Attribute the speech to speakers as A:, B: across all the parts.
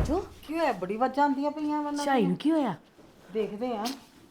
A: ਮੰਜੂ
B: ਕੀ ਹੋਇਆ? ਬੜੀ ਵਾਜਾਂ ਆਉਂਦੀਆਂ ਪਈਆਂ ਮੈਨੂੰ।
A: ਝਾਈ ਨੂੰ ਕੀ ਹੋਇਆ?
B: ਦੇਖਦੇ ਆ।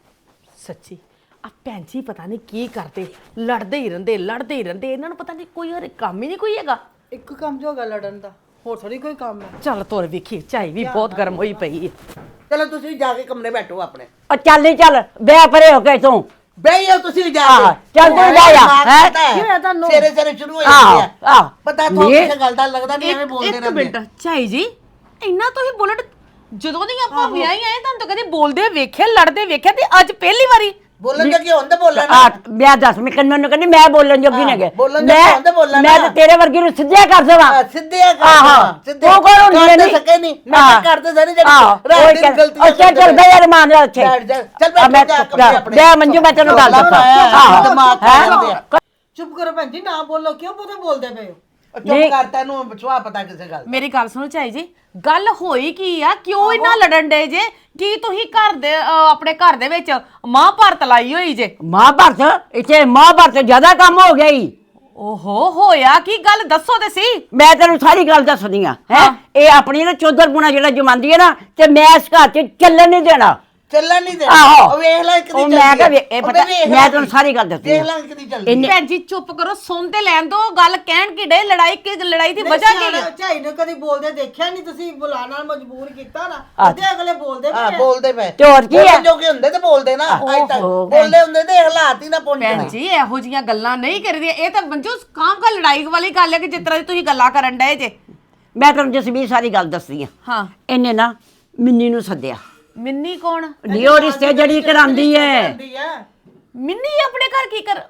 A: ਸੱਚੀ ਆ ਭੈਣ ਜੀ ਪਤਾ ਨਹੀਂ ਕੀ ਕਰਦੇ, ਲੜਦੇ ਹੀ ਰਹਿੰਦੇ ਇਹਨਾਂ ਨੂੰ ਪਤਾ ਨਹੀਂ ਕੋਈ ਹੋਰ ਕੰਮ ਹੀ ਨਹੀਂ ਕੋਈ ਹੈਗਾ।
B: ਇੱਕ ਕੰਮ ਜੋ ਹੈਗਾ ਲੜਨ ਦਾ, ਹੋਰ ਥੋੜੀ ਕੋਈ ਕੰਮ ਹੈ।
A: ਚੱਲ ਤੋਰ ਵੇਖੀ, ਝਾਈ ਵੀ ਬਹੁਤ ਗਰਮ ਹੋਈ ਪਈ ਹੈ।
C: ਚਲੋ ਤੁਸੀਂ ਜਾ ਕੇ ਕਮਰੇ ਬੈਠੋ ਆਪਣੇ।
D: ਚੱਲ ਨਹੀਂ ਚੱਲ ਬੈ ਪਰੇ ਹੋ ਕੇ ਤੂੰ
C: ਬਈ ਜਾਓ ਤੁਸੀਂ ਜਾ ਕੇ।
D: ਚੱਲ ਤੂੰ ਜਾ ਜਾ ਹੈ
B: ਕੀ ਹੋਇਆ ਤੁਹਾਨੂੰ?
C: ਸਵੇਰੇ ਸਵੇਰੇ ਸ਼ੁਰੂ ਹੋ ਜਾਂਦੀ ਹੈ।
D: ਆਹ
C: ਪਤਾ ਤੁਹਾਨੂੰ ਕਿਸੇ ਗੱਲ ਦਾ ਲੱਗਦਾ ਨਹੀਂ, ਐਵੇਂ ਬੋਲਦੇ
A: ਇੱਕ
C: ਰਹਿੰਦੇ।
A: ਮਿੰਟ ਝਾਈ ਜੀ, ਇੰਨਾ ਤੁਸੀਂ ਬੁਲਟ ਜਦੋਂ ਦੀ ਆਪਾਂ ਵਿਆਹੀ ਆਏ ਤੁਹਾਨੂੰ ਤਾਂ ਕਦੇ ਬੋਲਦੇ ਵੇਖਿਆ, ਲੜਦੇ ਵੇਖਿਆ, ਤੇ ਅੱਜ ਪਹਿਲੀ ਵਾਰੀ
C: ਬੋਲਣ ਦਾ ਕੀ ਹੁੰਦਾ? ਬੋਲਣ
D: ਆ ਮੈਂ ਦੱਸ ਮੈਂ ਕੰਨਾਂ ਨੂੰ ਕਹਿੰਦੀ ਮੈਂ ਬੋਲਣ ਜੋਗੀ ਨਾ ਗਏ
C: ਬੋਲਣ ਦਾ ਕੀ ਹੁੰਦਾ? ਬੋਲਣਾ
D: ਮੈਂ ਤਾਂ ਤੇਰੇ ਵਰਗੀ ਨੂੰ ਸਿੱਧਿਆ ਕਰ ਦੇਵਾਂ।
C: ਸਿੱਧੇ ਆ
D: ਆਹੋ
C: ਸਿੱਧੇ
D: ਉਹ ਕੋਲ ਹੁੰਦੀ
C: ਨਹੀਂ ਸਕੇ ਨਹੀਂ ਮੈਂ ਕਰਦੇ ਸਾਰੀ ਜਿਹੜੀ ਰਾਤ ਦੀ ਗਲਤੀ
D: ਚੱਲ ਚੱਲ ਬੈ ਯਾਰ ਮਾਨ ਜਾ ਉੱਥੇ
C: ਚੱਲ ਬੈਠ ਜਾ ਕਮਰੇ ਆਪਣੇ।
D: ਬੈ ਮੰਜੂ ਮੈਂ ਤੈਨੂੰ ਗੱਲ ਦੱਸਾਂ। ਆਹੋ
C: ਦਿਮਾਗ ਖਰਾਬ ਹੈ।
B: ਚੁੱਪ ਕਰੋ ਭੈਣ ਜੀ, ਨਾ ਬੋਲੋ। ਕਿਉਂ ਬਹੁਤਾ ਬੋਲਦੇ ਪਏ ਹੋ?
C: ਚੁੱਪ ਕਰ, ਤੈਨੂੰ ਵਿਸ਼ਵਾ ਪਤਾ ਕਿਸੇ ਗੱਲ।
A: ਮੇਰੀ ਗੱਲ ਸੁਣੋ ਝਾਈ ਜੀ, ਗੱਲ ਹੋਈ ਕੀ ਆ? ਕਿਉਂ ਇੰਨਾ ਲੜਨ ਡੇ ਜੇ? ਕੀ ਤੁਸੀਂ ਘਰ ਦੇ ਆਪਣੇ ਘਰ ਦੇ ਵਿੱਚ ਮਹਾਭਾਰਤ ਲਾਈ ਹੋਈ ਜੇ?
D: ਮਹਾਭਾਰਤ ਇੱਥੇ ਮਹਾਭਾਰਤ ਜ਼ਿਆਦਾ ਕੰਮ ਹੋ ਗਿਆ ਈ।
A: ਓਹੋ ਹੋਇਆ ਕੀ? ਗੱਲ ਦੱਸੋ ਤੇ ਸੀ।
D: ਮੈਂ ਤੈਨੂੰ ਸਾਰੀ ਗੱਲ ਦੱਸਦੀ ਆ ਹੈ। ਇਹ ਆਪਣੀ ਨਾ ਚੌਧਰਪੁਣਾ ਜਿਹੜਾ ਜਮਾਂਦੀ ਹੈ ਨਾ, ਤੇ ਮੈਂ ਇਸ ਘਰ 'ਚ ਚੱਲਣ ਨਹੀਂ ਦੇਣਾ।
C: ਚੱਲਣ ਨਹੀਂ ਦੇ।
D: ਆਹੋ
C: ਉਹ ਵੇਖ ਲੈ ਕਿਦੀ
D: ਉਹ
C: ਚੱਲਦੀ
D: ਮੈਂ ਕਿਹਾ
C: ਹੈ।
D: ਇਹ ਪਤਾ ਮੈਂ ਤੈਨੂੰ ਸਾਰੀ ਗੱਲ ਦੱਸਦੀ
C: ਦੇਖ ਲੈ ਕਿਦੀ ਚੱਲਦੀ ਹੈ।
A: ਭੈਣ ਜੀ ਚੁੱਪ ਕਰੋ, ਸੁਣ ਤੇ ਲੈਣ ਦੋ। ਗੱਲ ਕਹਿਣ ਕੀ ਡੇ? ਲੜਾਈ ਦੀ ਵਜ੍ਹਾ ਕੀ ਹੈ?
B: ਝਾਈ ਨੂੰ ਕਦੀ ਬੋਲਦੇ ਦੇਖਿਆ ਨਹੀਂ ਤੁਸੀਂ? ਬੁਲਾਉਣ ਨਾਲ ਮਜਬੂਰ ਕੀਤਾ ਨਾ। ਅੱਧੇ ਅਗਲੇ ਬੋਲਦੇ
C: ਹਾਂ
B: ਪਏ।
C: ਬੋਲਦੇ ਪਏ।
D: ਤੇ ਹੋਰ ਕੀ ਹੈ?
C: ਜੋ ਕਿ ਹੁੰਦੇ ਤੇ ਬੋਲਦੇ ਨਾ। ਅੱਜ ਤੱਕ ਬੋਲਦੇ ਹੁੰਦੇ ਤੇ ਹਾਲਾਤ ਹੀ ਨਾ
A: ਭੈਣ
C: ਪਹੁੰਚਣੇ।
A: ਜੀ ਇਹੋ ਜੀਆਂ ਗੱਲਾਂ ਨਹੀਂ ਕਰਦੀਆਂ। ਇਹ ਤਾਂ ਮੰਜੂ ਕਾਮ ਕਾ ਲੜਾਈ ਵਾਲੀ ਗੱਲ ਹੈ ਕਿ ਜਿਸ ਤਰ੍ਹਾਂ ਦੀ ਤੁਸੀਂ ਗੱਲਾਂ ਕਰਨ ਡਏ ਜੇ।
D: ਮੈਂ ਤੈਨੂੰ ਜਸਵੀਰ ਸਾਰੀ ਗੱਲ ਦੱਸਦੀ ਆ।
A: ਹਾਂ
D: ਇਹਨੇ ਨਾ ਮਿੰਨੀ ਨੂੰ ਸੱਦਿਆ।
A: ਮਿੰਨੀ ਕੌਣ?
D: ਨੀ ਉਹ ਰਿਸ਼ਤੇ ਜਿਹੜੀ ਕਰਾਂਦੀ ਹੈ।
A: ਮਿੰਨੀ ਆਪਣੇ ਘਰ ਕੀ ਕਰ?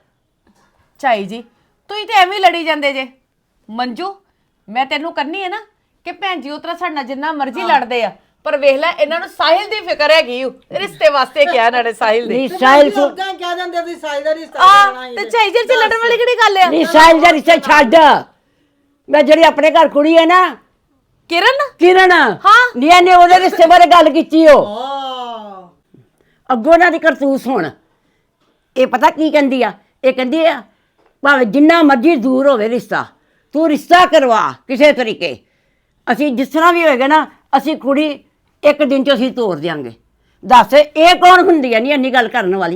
A: ਝਾਈ ਜੀ ਤੁਸੀਂ ਤੇ ਐਵੇਂ ਹੀ ਲੜੀ ਜਾਂਦੇ ਜੇ। ਮੰਜੂ ਮੈਂ ਤੈਨੂੰ ਕਰਨੀ ਹੈ ਨਾ ਕਿ ਭੈਣ ਜੀ ਉਤਰਾ ਸਾਡੇ ਨਾਲ ਜਿੰਨਾ ਮਰਜ਼ੀ ਲੜਦੇ ਆ, ਪਰ ਵੇਖ ਲੈ ਇਹਨਾਂ ਨੂੰ ਸਾਹਿਲ ਦੀ ਫਿਕਰ ਹੈਗੀ। ਰਿਸ਼ਤੇ ਵਾਸਤੇ ਕਿਹਾ ਇਹਨਾਂ ਨੇ ਸਾਹਿਲ ਦੇ।
D: ਨੀ ਸਾਹਿਲ ਤੋਂ
B: ਲੋਕਾਂ ਕਹਿ ਦਿੰਦੇ ਤੁਸੀਂ ਸਾਹਿਲ ਦਾ ਰਿਸ਼ਤਾ
A: ਆ
B: ਕਰਾਉਣਾ ਹੀ
A: ਤੇ ਝਾਈ ਜੀ ਚ ਲੜਨ ਵਾਲੀ ਕਿਹੜੀ ਗੱਲ ਆ?
D: ਨੀ ਸਾਹਿਲ ਦਾ ਰਿਸ਼ਤਾ ਛੱਡ। ਮੈਂ ਜਿਹੜੀ ਆਪਣੇ ਘਰ ਕੁੜੀ ਹੈ ਨਾ ਕਿਰਨ
A: ਹਾਂ।
D: ਨੀ ਇਹਨੇ ਉਹਦੇ ਰਿਸ਼ਤੇ ਬਾਰੇ ਗੱਲ ਕੀਤੀ। ਉਹ
B: ਹਾਂ।
D: ਅੱਗੋਂ ਨਾ ਦੀ ਕਰਤੂਸ ਹੋਣ। ਇਹ ਪਤਾ ਕੀ ਕਹਿੰਦੀ ਆ? ਇਹ ਕਹਿੰਦੀ ਆ ਭਾਵੇਂ ਜਿੰਨਾ ਮਰਜ਼ੀ ਦੂਰ ਹੋਵੇ ਰਿਸ਼ਤਾ, ਤੂੰ ਰਿਸ਼ਤਾ ਕਰਵਾ ਕਿਸੇ ਤਰੀਕੇ। ਅਸੀਂ ਜਿਸ ਤਰ੍ਹਾਂ ਵੀ ਹੋਏਗਾ ਨਾ, ਅਸੀਂ ਕੁੜੀ ਇੱਕ ਦਿਨ 'ਚ ਅਸੀਂ ਤੋਰ ਦਿਆਂਗੇ। ਦੱਸ ਇਹ ਕੌਣ ਹੁੰਦੀ ਆ ਨਹੀਂ ਇੰਨੀ ਗੱਲ ਕਰਨ ਵਾਲੀ?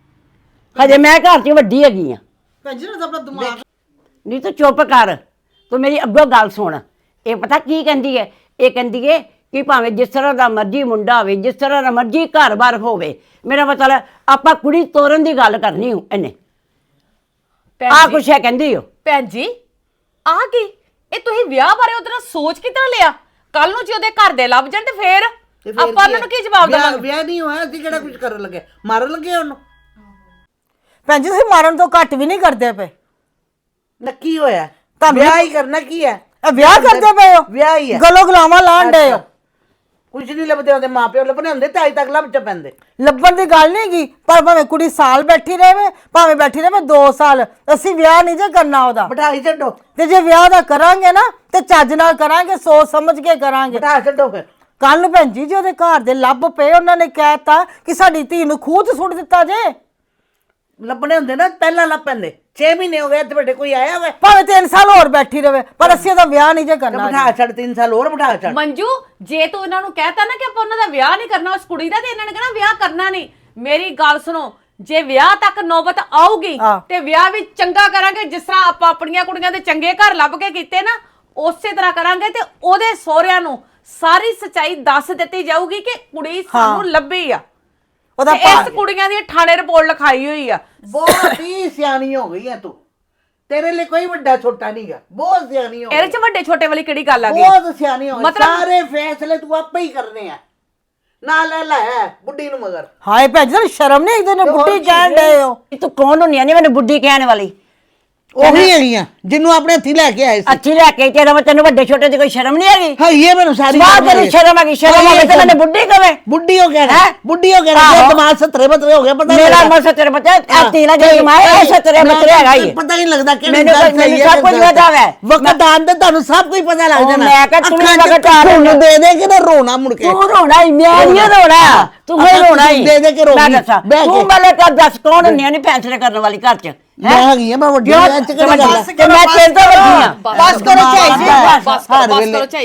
D: ਹਜੇ ਮੈਂ ਘਰ 'ਚ ਵੱਡੀ ਹੈਗੀ ਆ।
B: ਭੈਣ ਜੀ ਨੂੰ ਆਪਣਾ ਦਿਮਾਗ
D: ਨਹੀਂ ਤੂੰ ਚੁੱਪ ਕਰ, ਤੂੰ ਮੇਰੀ ਅੱਗੋਂ ਗੱਲ ਸੁਣ। ਇਹ ਪਤਾ ਕੀ ਕਹਿੰਦੀ ਹੈ? ਇਹ ਕਹਿੰਦੀ ਹੈ ਕਿ ਭਾਵੇਂ ਜਿਸ ਤਰ੍ਹਾਂ ਦਾ ਮਰਜ਼ੀ ਮੁੰਡਾ ਹੋਵੇ, ਜਿਸ ਤਰ੍ਹਾਂ ਦਾ ਮਰਜ਼ੀ ਘਰ-ਬਾਰ ਹੋਵੇ, ਮੇਰਾ ਮਤਲਬ ਆਪਾਂ ਕੁੜੀ ਤੋਰਨ ਦੀ ਗੱਲ ਕਰਨੀ ਹੋ ਇਹਨੇ। ਆ ਕੁਛ ਹੈ ਕਹਿੰਦੀ ਹੋ।
A: ਭੈਣ ਜੀ ਆ ਕੀ? ਇਹ ਤੁਸੀਂ ਵਿਆਹ ਬਾਰੇ ਉਹਦੇ ਨਾਲ ਸੋਚ ਕਿਦਾਂ ਲਿਆ? ਕੱਲ ਨੂੰ ਜੇ ਉਹਦੇ ਘਰ ਦੇ ਲੱਭ ਜਾਣ ਤੇ ਫੇਰ ਆਪਾਂ ਉਹਨਾਂ ਨੂੰ ਕੀ ਜਵਾਬ ਦੇਵਾਂਗੇ?
C: ਵਿਆਹ ਨਹੀਂ ਹੋਇਆ, ਅਸੀਂ ਕਿਹੜਾ ਕੁਝ ਕਰਨ ਲੱਗੇ? ਮਾਰਨ ਲੱਗੇ ਉਹਨੂੰ?
B: ਭੈਣ ਜੀ ਤੁਸੀਂ ਮਾਰਨ ਤੋਂ ਘੱਟ ਵੀ ਨਹੀਂ ਕਰਦੇ ਪਏ।
C: ਨੱਕੀ ਹੋਇਆ ਵਿਆਹ ਹੀ ਕਰਨਾ ਕੀ ਹੈ?
B: ਵਿਆਹ ਕਰਦੇ ਪਏ ਹੋ?
C: ਵਿਆਹ ਹੀ ਹੈ।
B: ਗਲੋ ਗਲਾਵਾਂ ਲਾਣ ਡਏ ਹੋ।
C: ਕੁਝ ਨਹੀਂ ਲੱਭਦੇ, ਉਹਦੇ ਮਾਪਿਓ ਲੱਭਣੇ ਹੁੰਦੇ ਤੇ ਅੱਜ ਤੱਕ ਲੱਭ ਚ ਪੈਂਦੇ।
B: ਲੱਭਣ ਦੀ ਗੱਲ ਨਹੀਂ ਹੈਗੀ, ਪਰ ਭਾਵੇਂ ਕੁੜੀ ਸਾਲ ਬੈਠੀ ਰਹੇ, ਭਾਵੇਂ ਬੈਠੀ ਰਹੇ 2 ਸਾਲ, ਅਸੀਂ ਵਿਆਹ ਨਹੀਂ ਜੇ ਕਰਨਾ ਉਹਦਾ।
C: ਬਿਠਾਈ ਛੱਡੋ।
B: ਤੇ ਜੇ ਵਿਆਹ ਦਾ ਕਰਾਂਗੇ ਨਾ ਤੇ ਚੱਜ ਨਾਲ ਕਰਾਂਗੇ, ਸੋਚ ਸਮਝ ਕੇ ਕਰਾਂਗੇ।
C: ਬਿਠਾ ਛੱਡੋ ਫਿਰ।
B: ਕੱਲ ਨੂੰ ਭੈਣ ਜੀ ਉਹਦੇ ਘਰ ਦੇ ਲੱਭ ਪਏ, ਉਹਨਾਂ ਨੇ ਕਹਿਤਾ ਕਿ ਸਾਡੀ ਧੀ ਨੂੰ ਖੂਹ 'ਚ ਸੁੱਟ ਦਿੱਤਾ ਜੇ।
C: ਲੱਭਣੇ ਹੁੰਦੇ ਨਾ ਪਹਿਲਾਂ ਲੱਭ ਪੈਂਦੇ। 6 ਮਹੀਨੇ ਹੋ ਗਏ ਇੱਥੇ ਬੈਠੇ, ਕੋਈ ਆਇਆ ਹੋਵੇ?
B: ਭਾਵੇਂ 3 ਸਾਲ ਹੋਰ ਬੈਠੀ ਰਵੇ, ਪਰ ਅਸੀਂ ਉਹਦਾ ਵਿਆਹ ਨਹੀਂ ਜੇ ਕਰਨਾ।
C: ਬਿਠਾ ਛੱਡ, 3 ਸਾਲ ਹੋਰ ਬਿਠਾ ਛੱਡ।
A: ਮੰਜੂ ਜੇ ਤੂੰ ਇਹਨਾਂ ਨੂੰ ਕਹਿਤਾ ਨਾ ਕਿ ਆਪਾਂ ਉਹਨਾਂ ਦਾ ਵਿਆਹ ਨਹੀਂ ਕਰਨਾ ਉਸ ਕੁੜੀ ਦਾ, ਤੇ ਇਹਨਾਂ ਨੇ ਕਹਿਣਾ ਵਿਆਹ ਕਰਨਾ ਨਹੀਂ। ਮੇਰੀ ਗੱਲ ਸੁਣੋ, ਜੇ ਵਿਆਹ ਤੱਕ ਨੌਬਤ ਆਊਗੀ ਤੇ ਵਿਆਹ ਵੀ ਚੰਗਾ ਕਰਾਂਗੇ, ਜਿਸ ਤਰ੍ਹਾਂ ਆਪਾਂ ਆਪਣੀਆਂ ਕੁੜੀਆਂ ਦੇ ਚੰਗੇ ਘਰ ਲੱਭ ਕੇ ਕੀਤੇ ਨਾ, ਉਸੇ ਤਰ੍ਹਾਂ ਕਰਾਂਗੇ। ਤੇ ਉਹਦੇ ਸਹੁਰਿਆਂ ਨੂੰ ਸਾਰੀ ਸੱਚਾਈ ਦੱਸ ਦਿੱਤੀ ਜਾਊਗੀ ਕਿ ਕੁੜੀ ਸਾਨੂੰ ਲੱਭੀ ਆ।
B: ਉਹਦਾ
A: ਇਸ ਕੁੜੀਆਂ ਦੀ ਥਾਣੇ ਰਿਪੋਰਟ ਲਿਖਾਈ ਹੋਈ ਆ।
C: ਬਹੁਤ ਹੀ ਸਿਆਣੀ ਹੋ ਗਈ ਹੈ ਤੂੰ। ਤੇਰੇ ਲਈ ਕੋਈ ਵੱਡਾ ਛੋਟਾ ਨਹੀਂਗਾ, ਬਹੁਤ ਸਿਆਣੀ ਹੋ ਗਈ।
A: ਇਹਦੇ ਚ ਵੱਡੇ ਛੋਟੇ ਵਾਲੀ ਕਿਹੜੀ ਗੱਲ ਆ ਗਈ?
C: ਬਹੁਤ ਸਿਆਣੀ ਹੋ ਗਈ। ਸਾਰੇ ਫੈਸਲੇ ਤੂੰ ਆਪੇ ਹੀ ਕਰਨੇ ਆ। ਨਾ ਲੈ ਬੁੱਢੀ ਨੂੰ ਮਗਰ।
B: ਹਾਏ ਭੈਣ ਜੀ ਸ਼ਰਮ ਨਹੀਂ, ਇੱਕ ਦਿਨ ਬੁੱਢੀ ਕਹਿਣ ਡਏ ਹੋ।
D: ਤੂੰ ਕੌਣ ਹੁੰਨੀ ਆ? ਨਹੀਂ ਮੈਨੂੰ ਬੁੱਢੀ ਕਹਿਣ ਵਾਲੀ।
C: ਉਹੀ ਹੈਗੀਆਂ ਜਿਹਨੂੰ ਆਪਣੇ ਹੱਥੀ ਲੈ ਕੇ ਆਏ ਸੀ।
D: ਅੱਛੀ ਲੈ ਕੇ ਤੇਰਾ ਤੈਨੂੰ ਵੱਡੇ ਛੋਟੇ ਦੀ ਕੋਈ ਸ਼ਰਮ ਨਹੀਂ ਹੈਗੀ?
C: ਹਾਂ ਇਹ ਮੈਨੂੰ ਸਾਰੀ
D: ਬਾਤ ਤੇਰੀ ਸ਼ਰਮ ਹੈਗੀ। ਸ਼ਰਮ ਹੋਵੇ ਤੇ ਮੈਨੂੰ ਬੁੱਢੀ ਕਵੇ।
C: ਬੁੱਢੀ ਹੋ ਗਿਆ ਬੁੱਢੀ ਹੋ ਗਿਆ। ਦਿਮਾਗ 70 ਹੋ ਗਿਆ। ਪਤਾ
D: ਮੇਰਾ ਮਨ 70 ਬੱਚਾ ਤੀਲਾ ਜੇ ਕਮਾਏ ਇਹ 70 ਹੈਗਾ ਹੀ।
C: ਪਤਾ ਨਹੀਂ ਲੱਗਦਾ ਕਿ
D: ਮੈਨੂੰ ਸਭ ਕੁਝ ਪਤਾ ਹੈ।
C: ਵਕਤ ਆਂਦੇ ਤੁਹਾਨੂੰ ਸਭ ਕੁਝ ਪਤਾ ਲੱਗ ਜਾਣਾ।
D: ਮੈਂ ਕਿਹਾ ਤੂੰ ਵਕਤ ਆ
C: ਨੂੰ ਦੇ ਦੇ ਕਿ ਨਾ ਰੋਣਾ ਮੁੜ ਕੇ।
D: ਤੂੰ ਰੋਣਾ ਹੀ, ਮੈਂ ਨਹੀਂ ਰੋਣਾ, ਤੂੰ ਹੀ ਰੋਣਾ ਹੀ।
C: ਦੇ ਦੇ ਕੇ ਰੋਣਾ।
D: ਮੈਂ ਦੱਸਾਂ ਤੂੰ ਮਲੇ ਤਾਂ ਦੱਸ ਕੌਣ ਹੁੰਨੀ ਆ ਨਹੀਂ ਫੈਸਲੇ ਕਰਨ ਵਾਲੀ ਘਰ 'ਚ?
C: ਮੈਂ ਹੈਗੀ ਆ, ਮੈਂ ਵੱਡੀ
D: ਤੇ ਮੈਂ ਤੇਰੇ ਤੋਂ ਵੱਡੀ ਆ।
B: ਬਸ ਕਰੋ ਝਾਈ ਜੀ,
A: ਬਸ ਕਰੋ ਝਾਈ ਜੀ।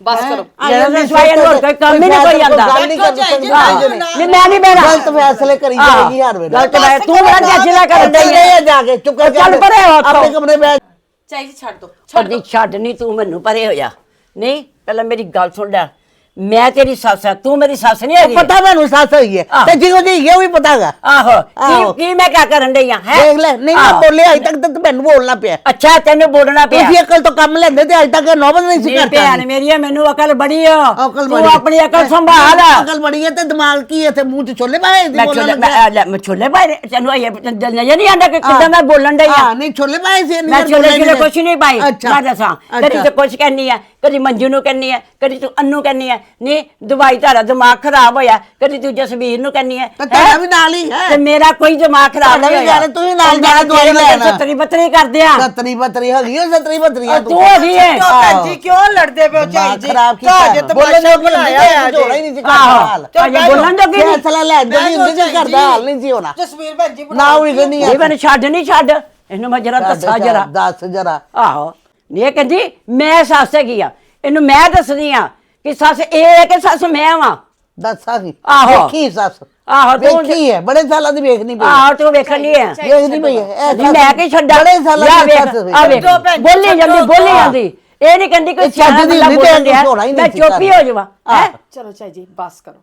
A: ਬਸ ਕਰੋ
D: ਇਹਦੇ ਸਿਵਾਏ ਹੋਰ ਕੋਈ ਕੰਮ ਹੀ ਨਹੀਂ ਕੋਈ ਆਂਦਾ
C: ਗੱਲ ਨਹੀਂ ਕਰਨੀ
D: ਨਹੀਂ ਮੈਂ ਨਹੀਂ ਬਹਿਣਾ
C: ਗਲਤ ਫੈਸਲੇ ਕਰੀ ਜਾਏਗੀ ਹਰ ਵੇਲੇ
D: ਗਲਤ ਮੈਂ ਤੂੰ ਮੇਰਾ ਜੱਜਲਾ ਕਰਨ ਡਈ
C: ਚੱਲ ਜਾ ਕੇ ਚੁੱਪ ਕਰ
D: ਚੱਲ ਪਰੇ ਹੋ
C: ਆਪਣੇ ਕਮਰੇ ਬੈਠ
A: ਚਾਈ ਜੀ ਛੱਡ ਦੋ
D: ਛੱਡ ਨਹੀਂ ਤੂੰ ਮੈਨੂੰ ਪਰੇ ਹੋ ਜਾ ਨਹੀਂ ਪਹਿਲਾਂ ਮੇਰੀ ਗੱਲ ਸੁਣ ਲੈ ਮੈਂ ਤੇਰੀ ਸੱਸ ਆ ਤੂੰ ਮੇਰੀ ਸੱਸ ਨਹੀਂ ਹੈਗੀ
C: ਪਤਾ ਮੈਨੂੰ ਸੱਸ ਹੋਈ ਹੈ ਤੇ ਜਿਹੋ ਜਿਹੀ ਹੈ ਉਹ ਵੀ ਪਤਾ ਹੈਗਾ
D: ਆਹੋ ਕੀ ਮੈਂ ਕਿਆ ਕਰਨ ਡਈ ਆ ਹੈ
C: ਦੇਖ ਲੈ ਨਹੀਂ ਮੈਂ ਬੋਲਿਆ ਅਜੇ ਤੱਕ ਤਾਂ ਮੈਨੂੰ ਬੋਲਣਾ ਪਿਆ
D: ਅੱਛਾ ਤੈਨੂੰ ਬੋਲਣਾ ਪਿਆ
C: ਤੁਸੀਂ ਅਕਲ ਤੋਂ ਕੰਮ ਲੈਂਦੇ ਤੇ ਅਜੇ ਤੱਕ ਨੌਬਤ ਨਹੀਂ ਸੀ
D: ਮੇਰੀ
C: ਕਰਦਾ
D: ਭੈਣ ਮੇਰੀ ਮੈਨੂੰ ਅਕਲ ਬੜੀ ਆ
C: ਅਕਲ
D: ਤੂੰ
C: ਬੜੀ
D: ਆਪਣੀ ਅਕਲ ਸੰਭਾਲ
C: ਅਕਲ ਬੜੀ ਹੈ ਤੇ ਦਿਮਾਗ ਕੀ ਹੈ ਤੇ ਮੂੰਹ 'ਚ ਛੋਲੇ ਪਾਏ ਦੀ
D: ਮੈਂ
C: ਬੋਲਣ
D: ਛੋਲੇ
C: ਲੱਗਿਆ
D: ਮੈਂ ਛੋਲੇ ਪਾਏ ਤੈਨੂੰ ਇਹ ਨਜ਼ਰ ਨਹੀਂ ਆਂਦਾ ਕਿ ਕਿੱਦਾਂ ਮੈਂ ਬੋਲਣ ਡਈ ਆ
C: ਹਾਂ ਨਹੀਂ ਛੋਲੇ ਪਾਏ ਸੀ
D: ਮੈਂ ਛੋਲੇ ਕੁਛ ਨਹੀਂ ਪਾਈ
C: ਅੱਛਾ
D: ਮੈਂ ਦੱਸਾਂ ਕਦੀ ਤੇ ਕੁਛ ਕਹਿੰਨੀ ਆ ਕਦੀ ਮੰਜੂ ਨੂੰ ਕਹਿੰਨੀ ਆ ਕਦੀ ਤੂੰ ਅੰਨੂ ਕਹਿੰਨੀ ਆ ਨਹੀਂ ਦਵਾਈ ਧਾਰਾ ਦਿਮਾਗ ਖਰਾਬ ਹੋਇਆ ਕਦੀ ਤੂੰ ਜਸਵੀਰ ਨੂੰ ਕਹਿੰਨੀ ਆ
C: ਤੇ ਤੇਰਾ ਵੀ ਨਾਲ ਹੀ ਹੈ
D: ਤੇ ਮੇਰਾ ਕੋਈ ਦਿਮਾਗ ਖਰਾਬ
C: ਤੁਹਾਡਾ ਵੀ
D: ਨਹੀਂ
C: ਜਾਣਾ, ਤੁਸੀਂ ਨਾਲ ਜਾਣਾ ਦਵਾਈ ਲੈਣ।
D: ਸੱਤਰੀ ਬੱਤਰੀ ਕਰਦੇ ਆ
C: ਸਤਰੀ ਬਤਰੀ ਹੈਗੀ ਉਹ ਸਤਰੀ ਬਤਰੀ
D: ਤੂੰ ਹੈਗੀ ਹੈ
B: ਭੈਣ ਜੀ ਕਿਉਂ ਲੜਦੇ ਪਏ ਹੋ ਝਾਈ ਜੀ
C: ਖਰਾਬ
B: ਘਰ ਜੇ
C: ਕੀਤਾ ਬੋਲਣ
B: ਤਮਾਸ਼ਾ
C: ਨੂੰ
B: ਬਣਾਇਆ
C: ਬਣਾਇਆ
B: ਹੈ
C: ਜੋੜਾ ਹੀ ਨਹੀਂ ਸੀ
D: ਆਹੋ
C: ਕਰਦਾ
D: ਅਜੇ ਬੋਲਣ ਜੋਗੀ ਨਹੀਂ
C: ਫੈਸਲਾ ਲੈ ਜਲਦੀ ਹੁੰਦੀ ਸੀ ਕਰਦਾ ਹਾਲ ਨਹੀਂ ਸੀ ਹੋਣਾ
B: ਜਸਵੀਰ ਭੈਣ ਜੀ
C: ਨਾ ਹੋਈ ਕਿ ਨਹੀਂ
D: ਇਹ ਮੈਨੂੰ ਛੱਡ ਨਹੀਂ ਛੱਡ ਇਹਨੂੰ ਮੈਂ ਜਰਾ ਦੱਸਾਂ ਜਰਾ
C: ਦੱਸ ਜਰਾ
D: ਆਹੋ ਇਹ ਕਹਿੰਦੀ ਮੈਂ ਸੱਸ ਹੈਗੀ ਆ ਇਹਨੂੰ ਮੈਂ ਦੱਸਦੀ ਆ ਕਿ ਸੱਸ ਇਹ ਹੈ ਕਿ ਸੱਸ ਮੈਂ ਵਾਂ
C: ਦੱਸਾਂ ਕੀ
D: ਆਹੋ।
C: ਵੇਖੀ ਸੱਸ
D: ਆਹੋ ਤੂੰ
C: ਵੇਖੀ ਹੈ ਬੜੇ ਸਾਲਾਂ ਦੀ ਵੇਖਣੀ ਪਈ
D: ਆਹੋ ਤੂੰ ਵੇਖਣ ਨਹੀਂ ਹੈ
C: ਵੇਖਣੀ ਪਈ ਹੈ
D: ਨਹੀਂ ਮੈਂ ਕੀ ਛੱਡਾਂ
C: ਬੜੇ ਸਾਲਾਂ
D: ਲੈ
C: ਦੀ
D: ਵੇਖ,
C: ਸੱਸ
D: ਆ ਵੇਖ ਬੋਲੀ ਜਾਂਦੀ ਇਹ ਨਹੀਂ ਕਹਿੰਦੀ ਕੋਈ
C: ਚੱਜ ਦੀ
D: ਸਿਆਣਾ
C: ਹੁੰਦੀ
D: ਬੰਦਾ
C: ਤੇ
D: ਬੋਲਣ ਡਿਆ,
C: ਝੋਲਾ ਹੀ ਨਹੀਂ
D: ਮੈਂ
C: ਸੀ
D: ਚੁੱਪ ਹੀ ਹੋ ਜਾਵਾਂ ਹੈ
A: ਚਲੋ ਚਾਈ ਜੀ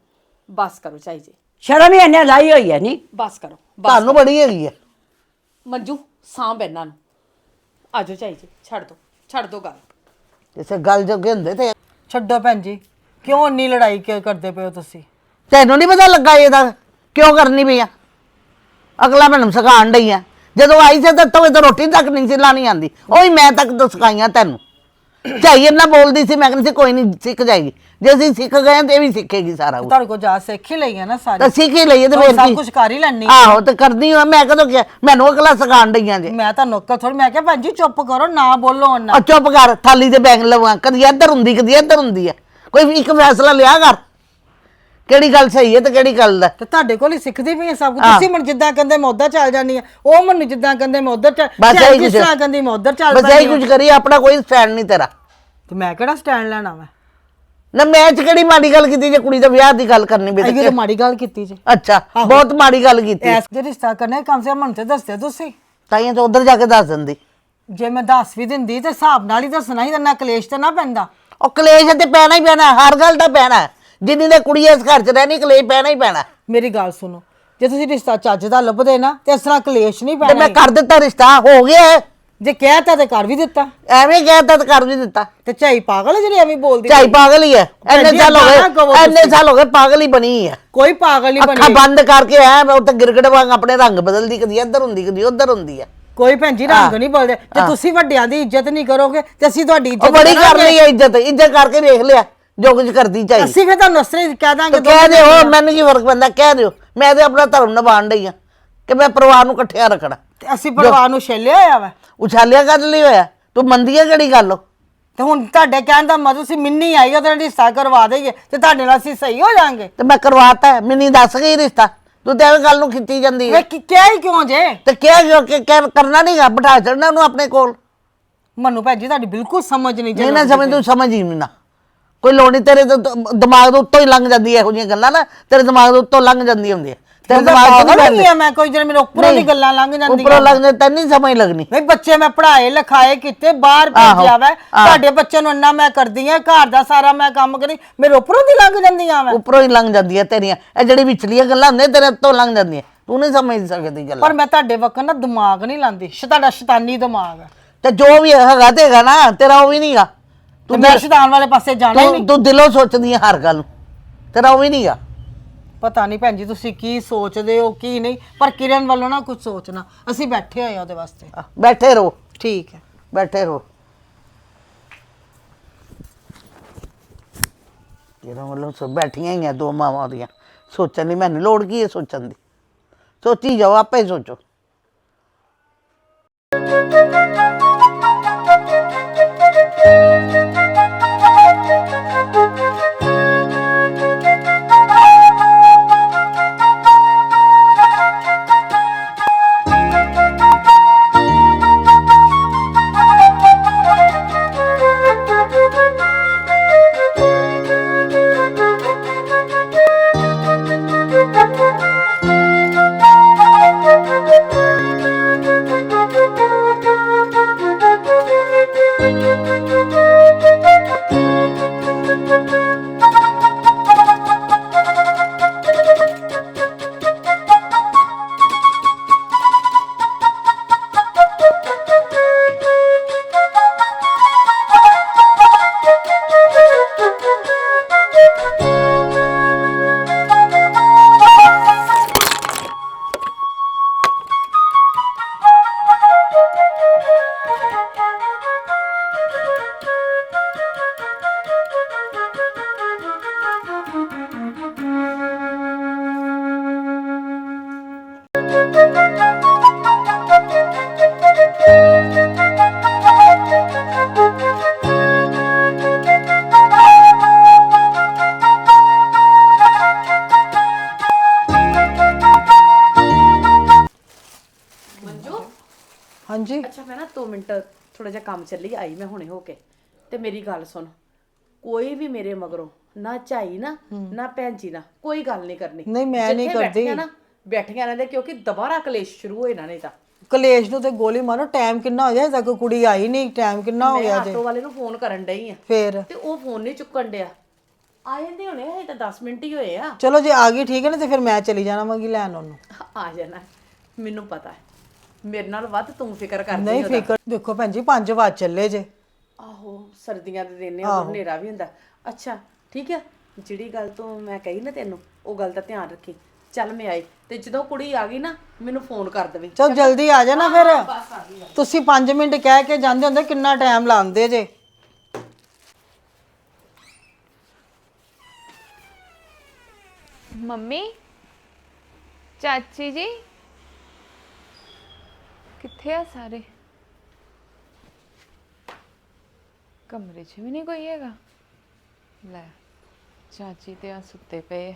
A: ਬਸ ਕਰੋ ਚਾਈ ਜੀ
D: ਸ਼ਰਮ ਹੀ ਇਹਨੇ ਲਾਈ ਹੋਈ ਹੈ ਨਹੀਂ
A: ਬਸ ਕਰੋ
C: ਤੁਹਾਨੂੰ ਬੜੀ ਹੈਗੀ ਹੈ
A: ਮੰਜੂ ਸਾਂਭ ਇਹਨਾਂ ਨੂੰ ਆਜੋ ਚਾਈ ਜੀ ਛੱਡ ਦੋ ਗੱਲ
C: ਕਿਸੇ ਗੱਲ ਜੋਗੇ ਹੁੰਦੇ ਤੇ
B: ਛੱਡੋ ਭੈਣ ਜੀ ਕਿਉਂ ਇੰਨੀ ਲੜਾਈ ਕਿਉਂ ਕਰਦੇ ਪਏ ਹੋ ਤੁਸੀਂ
C: ਤੈਨੂੰ ਨਹੀਂ ਪਤਾ ਲੱਗਾ ਇਹਦਾ ਕਿਉਂ ਕਰਨੀ ਪਈ ਆ ਅਗਲਾ ਮੈਨੂੰ ਸਿਖਾਉਣ ਡਈ ਆ ਜਦੋਂ ਆਈ ਸੀ ਤਾਂ ਤਵੇ ਤਾਂ ਰੋਟੀ ਤੱਕ ਨਹੀਂ ਸੀ ਲਾਣੀ ਆਂਦੀ ਉਹੀ ਮੈਂ ਤੱਕ ਤਾਂ ਸਿਖਾਈਆਂ ਤੈਨੂੰ ਝਾਈ ਇੰਨਾ ਬੋਲਦੀ ਸੀ ਮੈਂ ਕਹਿੰਦੀ ਸੀ ਕੋਈ ਨਹੀਂ ਸਿੱਖ ਜਾਏਗੀ ਜੇ ਅਸੀਂ ਸਿੱਖ ਗਏ ਤੇ ਇਹ ਵੀ ਸਿੱਖੇਗੀ ਸਾਰਾ ਕੁਝ
B: ਤੁਹਾਡੇ ਕੋਲ ਜਾ ਸਿੱਖ ਹੀ ਲਈ ਹੈ ਨਾ ਸਾਰੀ
C: ਤਾਂ ਸਿੱਖ ਹੀ ਲਈਏ ਤੇ
B: ਹੋਰ
C: ਫੇਰ
B: ਸਭ
C: ਕੀ
B: ਕੁਝ ਕਰ ਹੀ ਲੈਣੀ
C: ਆਹੋ ਤੇ ਕਰਦੀ ਹਾਂ ਮੈਂ ਕਦੋਂ ਕਿਹਾ ਮੈਨੂੰ ਅਗਲਾ ਸਿਖਾਉਣ ਡਈਆਂ ਜੇ
B: ਮੈਂ ਤਾਂ ਨੌਕਰ ਥੋੜੀ ਮੈਂ ਕਿਹਾ ਭੈਣ ਜੀ ਚੁੱਪ ਕਰੋ ਨਾ ਬੋਲੋ ਨਾ
C: ਆ ਚੁੱਪ ਕਰ ਥਾਲੀ ਤੇ ਬੈਗ ਲਵਾਂ ਕਦੀ ਇੱਧਰ ਹੁੰਦੀ ਕਦੀ ਇੱਧਰ ਹੁੰਦੀ ਹੈ ਕੋਈ ਇੱਕ ਫੈਸਲਾ ਲਿਆ ਕਰ ਕਿਹੜੀ ਗੱਲ ਸਹੀ ਹੈ ਤੇ ਕਿਹੜੀ ਗੱਲ ਦਾ
B: ਤੇ ਤੁਹਾਡੇ ਕੋਲ ਹੀ ਸਿੱਖਦੀ ਪਈ ਹੈ ਸਭ ਕੁਝ ਤੁਸੀਂ ਮੈਨੂੰ ਜਿੱਦਾਂ ਕਹਿੰਦੇ ਮੈਂ ਉੱਧਰ ਚੱਲ ਜਾਂਦੀ ਆ ਉਹ ਮੈਨੂੰ ਜਿੱਦਾਂ ਕਹਿੰਦੇ ਮੈਂ ਉੱਧਰ ਚੱਲ
C: ਬਸ
B: ਝਾਈ
C: ਇਹੀ
B: ਜਿਸ
C: ਕੁਛ
B: ਤਰ੍ਹਾਂ ਕਹਿੰਦੀ ਮੈਂ ਉੱਧਰ ਚੱਲ
C: ਬਸ ਇਹੀ ਕੁਝ ਕਰੀ ਆਪਣਾ ਕੋਈ ਸਟੈਂਡ ਨਹੀਂ ਤੇਰਾ
B: ਤੇ ਮੈਂ ਕਿਹੜਾ ਸਟੈਂਡ ਲੈਣਾ ਵਾ
C: ਨਾ ਮੈਂ ਚ ਕਿਹੜੀ ਮਾੜੀ ਗੱਲ ਕੀਤੀ ਜੇ ਕੁੜੀ ਦਾ ਵਿਆਹ ਦੀ ਗੱਲ ਕਰਨੀ
B: ਇਹ
C: ਬੇਟੇ
B: ਤਾਂ ਮਾੜੀ ਗੱਲ ਕੀਤੀ ਜੀ
C: ਅੱਛਾ ਬਹੁਤ ਮਾੜੀ ਗੱਲ ਕੀਤੀ
B: ਐਸ ਜੇ ਰਿਸ਼ਤਾ ਕਰਨਾ ਕਮ ਸੇ ਕਮ ਮੈਨੂੰ ਤੇ ਦੱਸਦੇ ਤੁਸੀਂ
C: ਤਾਈਆਂ ਤਾਂ ਉਧਰ ਜਾ ਕੇ ਦੱਸ ਦਿੰਦੀ
B: ਜੇ ਮੈਂ ਦੱਸ ਵੀ ਦਿੰਦੀ ਤੇ ਹਿਸਾਬ ਨਾਲ ਹੀ ਦੱਸਣਾ ਹੀ ਨਾ ਕਲੇਸ਼ ਤੇ ਨਾ ਪੈਂਦਾ
C: ਉਹ ਕਲੇਸ਼ ਤੇ ਪੈਣਾ ਹੀ ਪੈਣਾ ਹਰ ਗੱਲ ਦਾ ਪੈਣਾ ਜਿੰਨੀ ਦੇ ਕੁੜੀ ਇਸ ਘਰ ਚ ਰਹਿਣੀ ਕਲੇਸ਼ ਪੈਣਾ ਹੀ ਪੈਣਾ
B: ਮੇਰੀ ਗੱਲ ਸੁਣੋ ਜੇ ਤੁਸੀਂ ਰਿਸ਼ਤਾ ਚੱਜ ਦਾ ਲੱਭਦੇ ਨਾ ਤੇ ਇਸ ਤਰ੍ਹਾਂ ਕਲੇਸ਼ ਨਹੀਂ
C: ਤੇ
B: ਪੈਣਾ
C: ਮੈਂ ਕਰ ਦਿੱਤਾ ਰਿਸ਼ਤਾ ਹੋ ਗਿਆ ਹੈ।
B: ਜੇ ਕਹਿਤਾ ਤੇ ਕਰ ਵੀ ਦਿੱਤਾ
C: ਐਵੇਂ ਕਹਿਤਾ ਤਾਂ ਕਰ ਵੀ ਦਿੱਤਾ
B: ਤੇ ਝਾਈ ਪਾਗਲ ਹੈ ਜਿਹੜੀ ਐਵੇਂ ਬੋਲਦੀ
C: ਝਾਈ ਪਾਗਲ ਹੀ ਹੈ ਐਨੇ
B: ਭੈਣ ਜੀ,
C: ਸਾਲ ਹੋ
B: ਏਦਾਂ ਨਾ ਕਹੋ
C: ਗਏ ਐਨੇ
B: ਤੁਸੀਂ।
C: ਸਾਲ ਹੋ ਗਏ ਪਾਗਲ ਹੀ ਬਣੀ ਹੈ
B: ਕੋਈ ਪਾਗਲ ਨਹੀਂ
C: ਅੱਖਾਂ
B: ਬਣੀ
C: ਬੰਦ ਕਰਕੇ ਐ ਮੈਂ ਉੱਤੇ ਗਿਰਗੜ ਵਾਂਗ ਆਪਣੇ ਰੰਗ ਬਦਲਦੀ ਕਦੀ ਇੱਧਰ ਹੁੰਦੀ ਕਦੀ ਉੱਧਰ ਹੁੰਦੀ ਹੈ
B: ਕੋਈ ਭੈਣ ਜੀ ਰੰਗ ਨਹੀਂ ਬੋਲਦੇ ਜੇ ਤੁਸੀਂ ਵੱਡਿਆਂ ਦੀ ਇੱਜ਼ਤ ਨਹੀਂ ਕਰੋਗੇ ਤੇ ਅਸੀਂ ਤੁਹਾਡੀ
C: ਉਹ
B: ਇੱਜ਼ਤ
C: ਬੜੀ ਕਰ
B: ਕਰਾਂਗੇ।
C: ਲਈ ਹੈ ਇੱਜ਼ਤ ਕਰਕੇ ਵੇਖ ਲਿਆ ਜੋ ਕੁਝ ਕਰਦੀ ਝਾਈ
B: ਅਸੀਂ ਫਿਰ ਤੁਹਾਨੂੰ ਅਸਰੇ ਕਹਿ ਦਾਂਗੇ
C: ਕਹਿ ਦਿਓ ਮੈਨੂੰ ਕੀ ਫਰਕ ਪੈਂਦਾ ਕਹਿ ਦਿਓ ਮੈਂ ਤੇ ਆਪਣਾ ਧਰਮ ਨਿਭਾਉਣ ਡਈ ਆ ਕਿ ਮੈਂ ਪਰਿਵਾਰ ਨੂੰ ਇਕੱਠਿਆ ਰੱਖਣਾ
B: ਤੇ ਅਸੀਂ ਪਰਿਵਾਰ ਨੂੰ ਛੇਲਿਆ ਹੋਇਆ ਵਾ
C: ਉਛਾਲਿਆ ਕਰ ਲਈ ਹੋਇਆ ਤੂੰ ਮੰਦੀ ਹੈ ਕਿਹੜੀ ਗੱਲ
B: ਤੇ ਹੁਣ ਤੁਹਾਡੇ ਕਹਿਣ ਦਾ ਮਤਲਬ ਸੀ ਮਿੰਨੀ ਆਈ ਉਹਦੇ ਨਾਲ ਰਿਸ਼ਤਾ ਕਰਵਾ ਦੇਈਏ ਤੇ ਤੁਹਾਡੇ ਨਾਲ ਅਸੀਂ ਸਹੀ ਹੋ ਜਾਾਂਗੇ
C: ਤੇ ਮੈਂ ਕਰਵਾਤਾ ਹੈ, ਮੈਨੂੰ ਦੱਸ ਗਈ ਰਿਸ਼ਤਾ ਤੂੰ ਤੇ ਐਵੇਂ ਗੱਲ ਨੂੰ ਖਿੱਚੀ ਜਾਂਦੀ ਹੈ
B: ਵੇ ਕਿਹਾ ਹੀ ਕਿਉਂ ਜੇ
C: ਤੇ ਕਰਨਾ ਨਹੀਂਗਾ ਬਿਠਾ ਛੱਡਣਾ ਉਹਨੂੰ ਆਪਣੇ ਕੋਲ
B: ਮੈਨੂੰ ਭੈਣ ਜੀ ਤੁਹਾਡੀ ਬਿਲਕੁਲ ਸਮਝ ਨਹੀਂ
C: ਨਹੀਂ ਨਾ ਸਮਝ ਤੂੰ ਸਮਝ ਹੀ ਨਹੀਂ ਨਾ ਕੋਈ ਲੋੜ ਨਹੀਂ ਤੇਰੇ ਦਿਮਾਗ ਦੇ ਉੱਤੋਂ ਹੀ ਲੰਘ ਜਾਂਦੀ ਹੈ ਇਹੋ ਜਿਹੀਆਂ ਗੱਲਾਂ ਨਾ ਤੇਰੇ ਦਿਮਾਗ ਦੇ ਉੱਤੋਂ ਲੰਘ ਜਾਂਦੀਆਂ ਹੁੰਦੀਆਂ ਤੇਰੇ ਦਿਮਾਗ ਤੋਂ
B: ਨਹੀਂ ਆ ਮੈਂ ਕੋਈ ਜਿਹੜੇ ਮੇਰੇ ਉੱਪਰੋਂ ਦੀ ਗੱਲਾਂ ਲੰਘ ਜਾਂਦੀਆਂ
C: ਉੱਪਰੋਂ ਲੰਘ ਜਾਂਦੀ ਤੈਨੂੰ ਨਹੀਂ ਸਮਝ ਲੱਗਣੀ
B: ਨਹੀਂ ਬੱਚੇ ਮੈਂ ਪੜ੍ਹਾਏ ਲਿਖਾਏ ਕੀਤੇ ਬਾਹਰ ਭੇਜਿਆ ਵਾ ਤੁਹਾਡੇ ਬੱਚੇ ਨੂੰ ਇੰਨਾ ਮੈਂ ਕਰਦੀ ਆ ਘਰ ਦਾ ਸਾਰਾ ਮੈਂ ਕੰਮ ਕਰੀ ਮੇਰੇ ਉੱਪਰੋਂ ਦੀ ਲੰਘ ਜਾਂਦੀਆਂ ਵਾ
C: ਉੱਪਰੋਂ ਹੀ ਲੰਘ ਜਾਂਦੀਆਂ ਤੇਰੀਆਂ ਇਹ ਜਿਹੜੀ ਵਿਚਲੀਆਂ ਗੱਲਾਂ ਹੁੰਦੀਆਂ ਤੇਰੇ ਉੱਤੋਂ ਲੰਘ ਜਾਂਦੀਆਂ ਤੂੰ ਨਹੀਂ ਸਮਝ ਸਕਦੀ ਗੱਲਾਂ
B: ਪਰ ਮੈਂ ਤੁਹਾਡੇ ਵਕਤ ਨਾ ਦਿਮਾਗ ਨਹੀਂ ਲਾਂਦੀ ਤੁਹਾਡਾ ਸ਼ੈਤਾਨੀ ਦਿਮਾਗ ਹੈ
C: ਤੇ ਜੋ ਵੀ ਹੈਗਾ ਤੇ ਹੈਗਾ ਨਾ ਤੇਰਾ ਉਹ ਵੀ ਨਹੀਂਗਾ
B: ਤੇ ਮੈਂ ਸ਼ੈਤਾਨ ਵਾਲੇ ਪਾਸੇ ਜਾਣਾ ਹੀ ਨਹੀਂ
C: ਤੂੰ ਦਿਲੋਂ ਸੋਚਦੀ ਹੈ ਹਰ ਗੱਲ ਨੂੰ ਤੇਰਾ ਉਹ ਵੀ ਨਹੀਂਗਾ
B: ਪਤਾ ਨਹੀਂ ਭੈਣ ਜੀ ਤੁਸੀਂ ਕੀ ਸੋਚਦੇ ਹੋ ਕੀ ਨਹੀਂ ਪਰ ਕਿਰਨ ਵੱਲੋਂ ਨਾ ਕੁਝ ਸੋਚਣਾ ਅਸੀਂ ਬੈਠੇ ਹੋਏ ਆ ਉਹਦੇ ਵਾਸਤੇ
C: ਬੈਠੇ ਰਹੋ
B: ਠੀਕ ਹੈ
C: ਬੈਠੇ ਰਹੋ ਤੇਰਾ ਵੱਲੋਂ ਸਭ ਬੈਠੀਆਂ ਹੀ ਆ ਦੋ ਮਾਵਾਂ ਉਹਦੀਆਂ ਸੋਚਣ ਦੀ ਮੈਨੂੰ ਲੋੜ ਕੀ ਹੈ ਸੋਚਣ ਦੀ ਸੋਚੀ ਜਾਓ ਆਪੇ ਸੋਚੋ
A: ਨਾ 2 ਮਿੰਟ ਥੋੜਾ ਜਿਹਾ ਕੰਮ ਚੱਲੀ ਆਈ ਮੈਂ ਹੁਣੇ ਹੋ ਕੇ। ਤੇ ਮੇਰੀ ਗੱਲ ਸੁਣ, ਕੋਈ ਵੀ ਮੇਰੇ ਮਗਰੋਂ ਨਾ ਝਾਈ ਨਾ ਭੈਣ ਜੀ ਨਾ ਕੋਈ ਗੱਲ ਨਹੀਂ ਕਰਨੀ।
B: ਨਹੀਂ, ਮੈਂ ਨਹੀਂ
A: ਜਿੱਥੇ
B: ਕਰਦੀ।
A: ਬੈਠੀਆਂ ਨਾ ਬੈਠੀਆਂ ਰਹਿੰਦੇ, ਕਿਉਂਕਿ ਦੁਬਾਰਾ ਕਲੇਸ਼ ਸ਼ੁਰੂ ਹੋਏ ਨਾ ਨਹੀਂ ਤਾਂ।
B: ਕਲੇਸ਼ ਨੂੰ ਤੇ ਗੋਲੀ ਮਾਰੋ। ਟਾਈਮ ਕਿੰਨਾ ਹੋ ਗਿਆ, ਅਜੇ ਤੱਕ ਕੁੜੀ ਆਈ ਨਹੀਂ। ਟਾਈਮ ਕਿੰਨਾ ਹੋ
A: ਮੈਂ
B: ਗਿਆ ਜੇ?
A: ਆਟੋ ਵਾਲੇ ਨੂੰ ਫੋਨ ਕਰਨ ਡਈ ਆ
B: ਫੇਰ
A: ਤੇ ਉਹ ਫੋਨ ਨਹੀਂ ਚੁੱਕਣ ਡਿਆ। ਆ ਜਾਂਦੇ ਹੋਣੇ, ਹਜੇ ਤਾਂ 10 ਮਿੰਟ ਹੀ ਹੋਏ ਆ।
B: ਚਲੋ ਜੇ ਆ ਗਈ ਠੀਕ ਹੈ ਨਾ, ਤੇ ਫਿਰ ਮੈਂ ਚਲੀ ਜਾਣਾ ਵਾਂਗੀ ਲੈਣ ਉਹਨੂੰ।
A: ਆ ਜਾਣਾ, ਮੈਨੂੰ ਪਤਾ ਹੈ ਮੇਰੇ ਨਾਲ ਵੱਧ ਤੂੰ ਫਿਕਰ ਕਰਦੀ
B: ਨਹੀਂ
A: ਉਹਦਾ।
B: ਫਿਕਰ, ਦੇਖੋ ਭੈਣ ਜੀ 5 ਵਜੇ ਚੱਲੇ ਜੇ।
A: ਆਹੋ ਸਰਦੀਆਂ ਦੇ ਦਿਨ ਨੇ, ਉਦੋਂ ਹਨੇਰਾ ਵੀ ਹੁੰਦਾ। ਅੱਛਾ ਠੀਕ ਆ, ਜਿਹੜੀ ਗੱਲ ਤੋਂ ਮੈਂ ਕਹੀ ਨਾ ਤੈਨੂੰ, ਉਹ ਗੱਲ ਦਾ ਧਿਆਨ ਰੱਖੀ। ਚੱਲ ਮੈਂ ਆਈ ਤੇ ਜਦੋਂ ਕੁੜੀ ਆ ਗਈ ਨਾ ਮੈਨੂੰ ਫੋਨ ਕਰ ਦੇਵੇਂ।
B: ਚਲ ਜਲਦੀ ਆ ਜਾਣਾ ਫਿਰ। ਤੁਸੀਂ 5 ਮਿੰਟ ਕਹਿ ਕੇ ਜਾਂਦੇ ਹੁੰਦੇ, ਕਿੰਨਾ ਟਾਈਮ ਲਾਉਂਦੇ ਜੇ।
E: ਮੰਮੀ, ਚਾਚੀ ਜੀ ਕਿੱਥੇ ਆ ਸਾਰੇ? ਕਮਰੇ 'ਚ ਵੀ ਨਹੀਂ ਕੋਈ ਹੈਗਾ। ਲੈ ਚਾਚੀ ਤੇ ਆ ਸੁੱਤੇ ਪਏ।